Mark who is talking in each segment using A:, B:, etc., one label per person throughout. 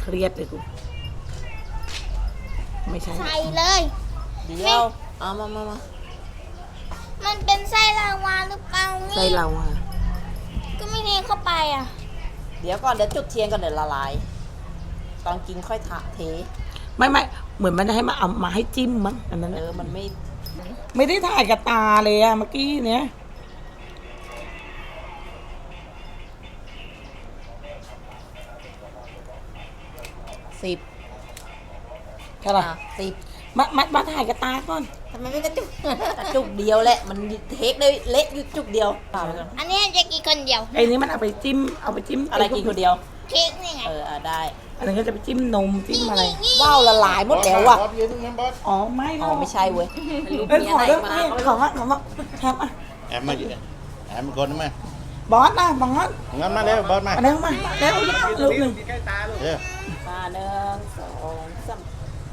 A: เครียดเลยกูไม่ใช่
B: ใส่เลย
C: เดี๋ยวเอามา
B: มันเป็นไส้ลาวาหรือเปล่า
A: ใส่
B: นี่
A: เราอะ
B: ก็ไม่เทเข้าไปอ่ะ
C: เดี๋ยวก่อนเดี๋ยวจุดเทียนก่อนเดี๋ยวละลาย ตอนกินค่อยเท
A: ไม่เหมือนมันจะให้มาเอามาให้จิ้มมั้งอันนั้น
C: มันไม่
A: ไม่ได้ถ่ายกับตาเลยอะเมื่อกี้เนี้ย
C: 10
A: แค่ไหน
C: 10
A: มาถ่ายกับตาก่อน
C: ทำไมไม่กระจุก จุกเดียวแหละมันเทคได้เละอยู่จุกเดียวเปล่าไปก่อน
B: อันนี้จะกินคนเดียว
A: ไอ้นี้มันเอาไปจิ้ม
C: อะไรกินคนเดียว
B: เค้กนี่ไง
C: ได้
A: อันนี้นก็จะไปจิ้มนมจิ้มอะไร
C: ว้าวละลายหมดแล้วอ่ะ
D: บอสยืนตรงนั้นบอส
A: อ๋อไม่หร
C: อ๋
A: อ
C: อก ไม่ใช่เว้ยรูป
A: เอ้ย
C: นี้
A: ขอ
C: อะไร
A: เรื่อง
C: มา
A: นี้ของแฮมอ่ะ
D: แอมมาอยู่แอมคนนั้นมา
A: บอสนะบอส
D: งั้นมาเร็วบอสมา
A: อันนี้มาแล้วลูกหนึ่ง
D: เร็ว
C: มา1 2 3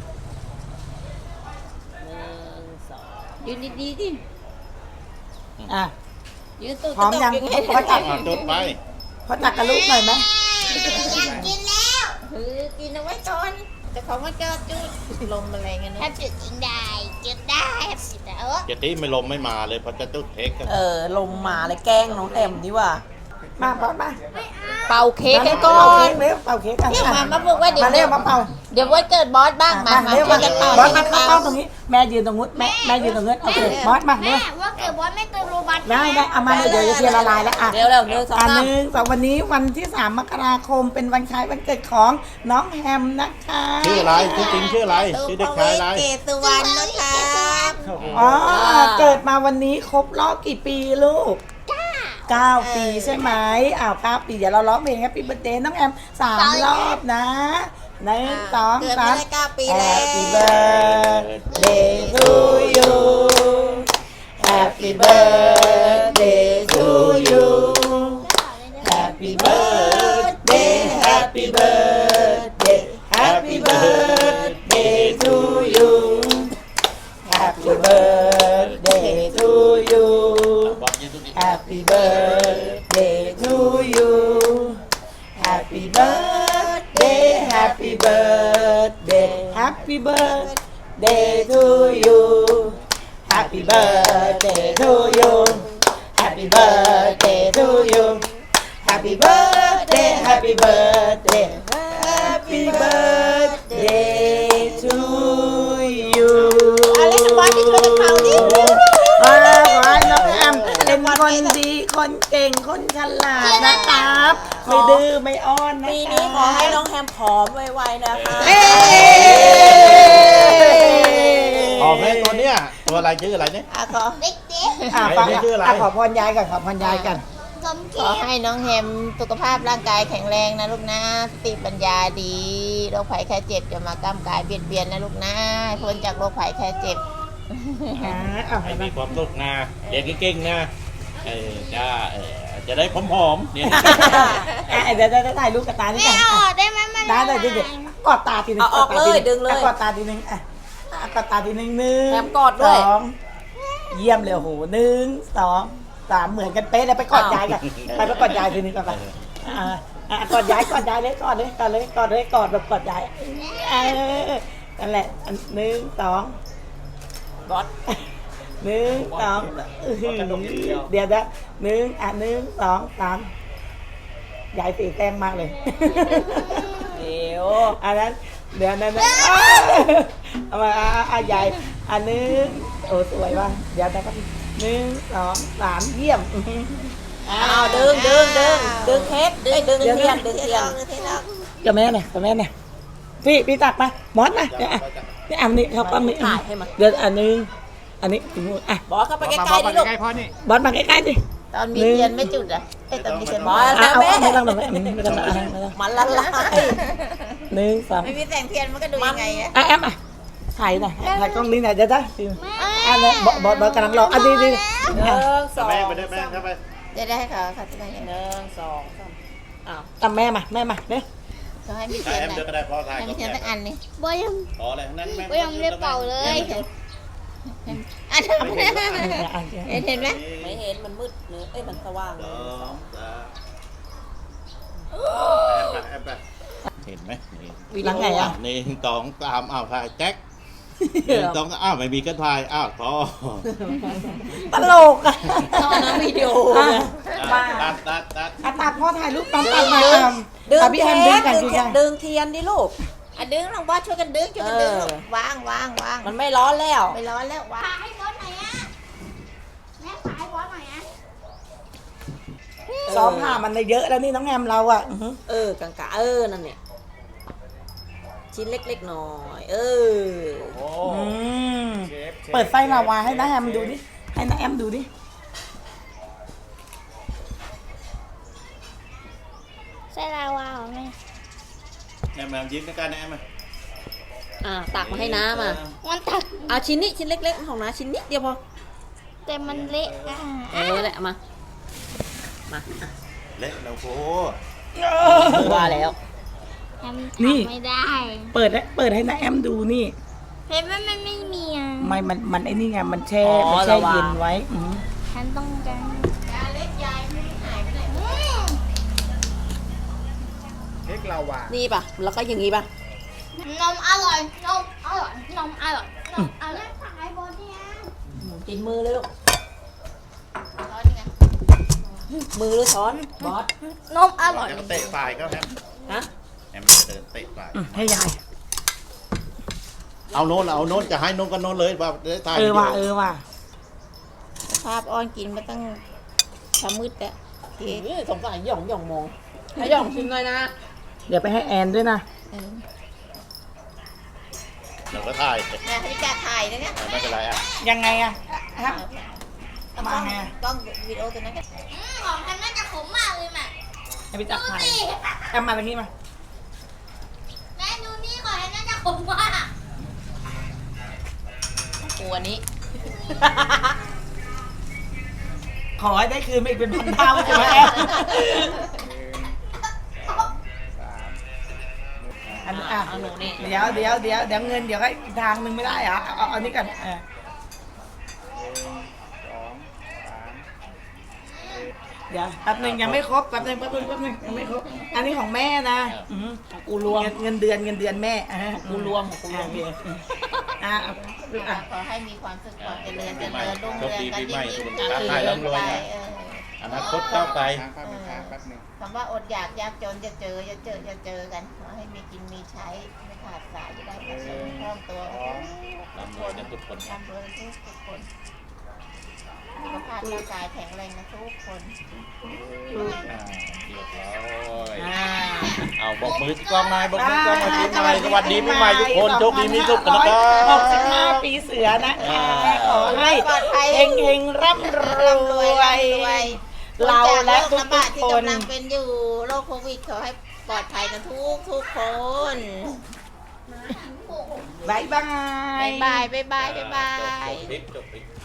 C: 1 2ยืนดีๆดิ
A: อ่ะ
C: ยืนตุ๊ก
A: พร้อมยัง
C: ตุ๊ก
A: พอจับ
D: จุดไป
A: พอจับกับลูกหน่อยไหม
B: อยากกินแล้ว
C: กินเอาไว้ก่อนแต่ของมันก็จุดลมอะไรเงี้ย
B: แฮปจุดกินได้จุดได้แฮปจุดได้
D: เจตีไม่ลมไม่มาเลยเพอจะจุดเทคกัน
C: ลมมาเลยแกล้งน้องแอมดีว่า
A: มาบอสมา
C: เป่าเค้กกันก่อ
A: เป่าน เค้กเร็วเป่าเค้กกัน
C: มาบอกว่าเดี๋ยว
A: มาเร็วมาเป่า
C: เดี๋ยววันเกิดบอสบ้างมา
A: เร็ว
C: ช่ว
A: มาย
C: กันเป่า
A: บอสมาเข้าตรงนี้แม่ยืนตรงนู้นแม่ยืนตรงนู้นโอเคบอสมาเร็
B: แม่
A: ว
B: ว่าเกิดบอสไม่เติมโรบัต
A: ได้เอามาเดี๋ยวจะเทียนละลายแล้วอ่ะ
C: เร็ว1 2
A: อัน
C: 3
A: หนึ่งสองวันนี้วันที่3 มกราคมเป็นวันคล้ายวันเกิดของน้องแฮมนะคะ
D: ชื่ออะไรชื่อจริงชื่ออะไรชื่อเด็กชายอะไร
C: เกสุวรรณนะครับ
A: อ๋อเกิดมาวันนี้ครบรอบกี่ปีลูก9 ปีใช่ไหม9 ปีเดี๋ยวเราร้องเพลง Happy Birthday น้องแอม3 รอบนะ1 2
C: เกิดมาได้
A: 3
C: 9 ปีแล้ว
A: Happy birthday to you Happy birthday to you Happy birthday Happy birthday Happy birthday to you Happy birthday to you
D: บอสยืนตรงนี้
A: Happy birthday to you Happy birthday Happy birthday Happy birthday to you Happy birthday to you Happy birthday to you Happy birthday Happy birthday Happy birthday to you
C: อะไรนะบอสที่ช่วยกันเป่าดิ
A: ขอให้น้องแอมเป็นคนดีคนเก่งคนฉลาดนะครับไม่ดื้อไม่อ้อนนะ
C: ปีนี้ขอให้น้องแฮมผอมไวๆนะคะ
D: ออกเลยตัวเนี้ยตัวอะไรชื่ออะไรเนี่ย
C: ขอ
B: เด็ก
A: ฟัง
D: ไม่ชื่ออะไร
A: ขอพรยายกันขอพรยายกัน
B: ๆสม
C: ข
B: เกี
C: อย
B: รติ
C: ให้น้องแฮมสุขภาพร่างกายแข็งแรงนะลูกนะสติปัญญาดีโรคภัยแค่เจ็บจะมาก้ำกายเบียดเบียนนะลูกนะให้พ้นจากโรคภัยแค่เจ็บ
D: ให้มีความสุขนะเรียนเก่งๆนะจะได้ผอมๆเนี่ย
A: เดี๋ยวจะถ่ายรูปกับตานี่
B: ไม่
A: กัน
B: เอาออกได้ไหมมัน
A: ได้เดี๋ยวกอดตาทีนึง
C: เอาออกเลยดึงเลย
A: กอดตาทีนึงกอดตาทีนึง1
C: แถมกอดด้วย
A: 2เยี่ยมเลยโห1 2 3เหมือนกันเป๊ะเลยไปกอดยายกันไปกอดยายทีนึงก่อนไปกอดยายเลยกอดแบบกอดยายนั่นแหละ1 2
C: บอส
A: 1 2เดี๋ยวนะ1 2 3ยายตีแต้มมากเลย
C: เดี๋ยว
A: อันนั้นเดี๋ยวนั้นเอามายายอันนึงโอ้สวยว่ะเดี๋ยวนะครับ1 2 3เยี่ยม
C: เอาดึงเค้กดึงเทียน
A: กับแม่เนี่ยพี่ตักมามอสนะนี่อันนี้เขาปั้มนี่
C: ถ่ายให้มัน
A: เดี๋ยวอันนึงอันนี้ถึงอ่ะ
C: บอสเข้าไปใกล้ๆดิลูก
A: บอสมาใกล้ๆดิ
C: ตอนมีเทียนไม่จุดอ่ะตอนมีเทียนบอส
A: เอา
C: แม่
A: ไม่ต้องไม่ต้อง
C: มันละลาย
A: 1 2
C: ไม่มีแสงเทียนมันก็ดูยังไงอะ
A: แอมถ่ายหน่อยถ่ายกล้องนี้หน่อยเดี๋ยวนะอันนี้บอสกำลังรออันนี้
C: 1 2
D: แม่ไปได้แม่เข้าไป
C: จะได้ค่ะจะได้1 2 3อ้าว
A: ตามแม่มาเนี่ย
C: ก็ให้มี
D: ถ้า
C: เทียน
D: แอม
C: นะ
D: เดินก็ได้พอถ่าย
C: ให้มีเทียนสักอันนี่
B: บอยยัง
D: ขออะไรทั้งนั้นแม่
B: บอยยังไม่ได้เป่าเลย
C: อันนั้นเห็นไหม
D: ไม่
C: ไม่เห็นมันมืดเนื้อมันสว่างเลย
D: 2 3แอมไปเห็นไหมไหมนี่
A: แล้วไงอ่ะ
D: หนึ่งสองสามอ้าวถ่ายแจ็คหนึ่งสองอ้าวไม่มีก็ถ่ายอ้าวพอ
A: ตลกอ่ะ
C: ตอนนั้นวิดีโอ
A: อ่ะ
D: อ่ะ
A: มา
D: ตัด
A: อ่ะตัดพ่อถ่ายรูปตามตัดมา
C: ดึง
A: อ่ะพี่แอมดึงกันดึงกัน
C: ดึงเทียนดิลูกอ่ะดึงน้องบอสช่วยกันดึงช่วยกันดึง
A: เออ
C: ลูกวางวางวาง
B: มันไม่ร้อนแล้ว
C: ไม่ร้อนแล้ววาง
B: ขายให้บอสหน่อยอะแม่ขายให้บอสหน่อยอะ
A: ซ้อมผ่ามันเยอะแล้วนี่น้องแอมเราอ่ะอื้อหือ
C: กางกะนั่นเนี่ยชิ้นเล็กๆหน่อย
D: โอ้
A: อืม
D: เชฟ
A: เปิดไส้ลาวาให้น้าแอมดูดิให้น้าแอมดูดิ
B: ไส้ลาวาเหรอแม่
D: แอมยิ้มกันนะแอม
C: ตักมาให้น้ำอ่ะ
B: มันตัก
C: เอาชิ้นนี้ชิ้นเล็กๆของน้าชิ้นนิดเดียวพอ
B: แต่มันเละอะ
C: แหละมาอ่ะ
D: เละแล้วโอ้
C: ว่าแล้ว
B: ทำไม่ได้
A: เปิดให้น้าแอมดูนี่
B: เห็นว่ามันไม่มีอ่ะ
A: มันไอ้นี่ไงมันแช่มันแช่เย็นไว้อื้อหือ
B: ฉันต้องการ
C: ยาเล็กยายไม่หายไปไหน
E: เค้กลาวา
C: นี่ป่ะแล้วก็อย่างงี้ป่ะ
B: นมอร่อย นมอร่อย นมอร่อย นมอร่อยขายบอสเนี่ย
C: กินมือเลยลูก
B: ช้อนไง
C: มือหรือช้อนบอส
B: นมอร่อย
D: แอมเตะฝ่ายก็แอม
C: ฮะ
D: แอมจะเดินเตะฝ่าย
A: ให้ยาย
D: เอาโน้นจะให้โน้นก็โน้นเลยว่าได้ถ่าย
A: ว่ะ
D: วิดีโอ
A: ว่ะ
C: ภาพอ้อนกินมาตั้งช้ามืดแล้วสงสารหย่องมองให้หย่องชิมหน่อยนะ
A: เดี๋ยวไปให้แอนด้วยนะ
D: เดี๋ยวก็ถ่าย
C: แม่ให้จ่าถ่ายนะเนี่ย
D: ไม่เป็นไรอ่ะ
A: ยังไงอะฮะ
C: ต้อง
A: มาไง
C: กล้องวิดีโอตัวนั้นก็
B: ของฉันน่าจะขมมากเลยแม่
A: ให้พี่จักรถ่าย
B: ดูสิ
A: แอมมาตรงนี้มา
B: แม่ดูนี่ของฉันน่าจะขมมาก
C: กลัวนี้
A: ขอให้ได้คืนมาอีกเป็นพันเท่าใช่ไหมแอมอันนี้อ่ะ
C: เอาหนูนี่
A: เดี๋ยวเงินเดี๋ยวก็อีกทางหนึ่งไม่ได้เหรอเอานี้ก่อนเดี๋ยวแป๊บหนึงยังไม่ครบแป๊บหนึงยังไม่ครบอันนี้ของแม่นะอื้อหือ
C: กูรวม
A: เงินเดือนแม่กูรวม อ่ะ
C: ขอให้มีความสุขความเจริญ
D: ปีใหม่
C: รุ่ง
D: โช
C: เรื
D: ค
C: อง
D: ดี
C: กัน
D: ปีใหม่
C: ยิ่ง
D: สุข
C: ยิ่ง
D: ภาพไทยร่ำรวยนะอนาคตก้าวไกล
E: แป๊บนึงแป๊บนึง
C: คำว่าอดอยากยากจนจะเจอกันขอให้มีกินมีใช้ไม่ขาดสายจะได้กระเสริมคล่องตัว
D: ร่ำรวยกันทุกคน
C: ร่ำรวยทุกคนสุขภาพร่างกายแข็งแรงนะทุกคน
D: เรียบร้อยเอาบอกมือกล้องนายบอกมือกล้องมาปีใหม่สวัสดีปีใหม่ทุกคนโชคดีมีสุขกันนะครับ
A: 65 ปีเสือนะคะขอให้
C: ปลอดภัย
A: เฮงร่ำรวย เราและทุก
C: จากโรคระบาดที่
A: คน
C: กำลังเป็นอยู่โรคโควิดขอให้ปลอดภัยกันทุกคน
A: บายบาย
C: บ๊ายบาย
D: จบคลิป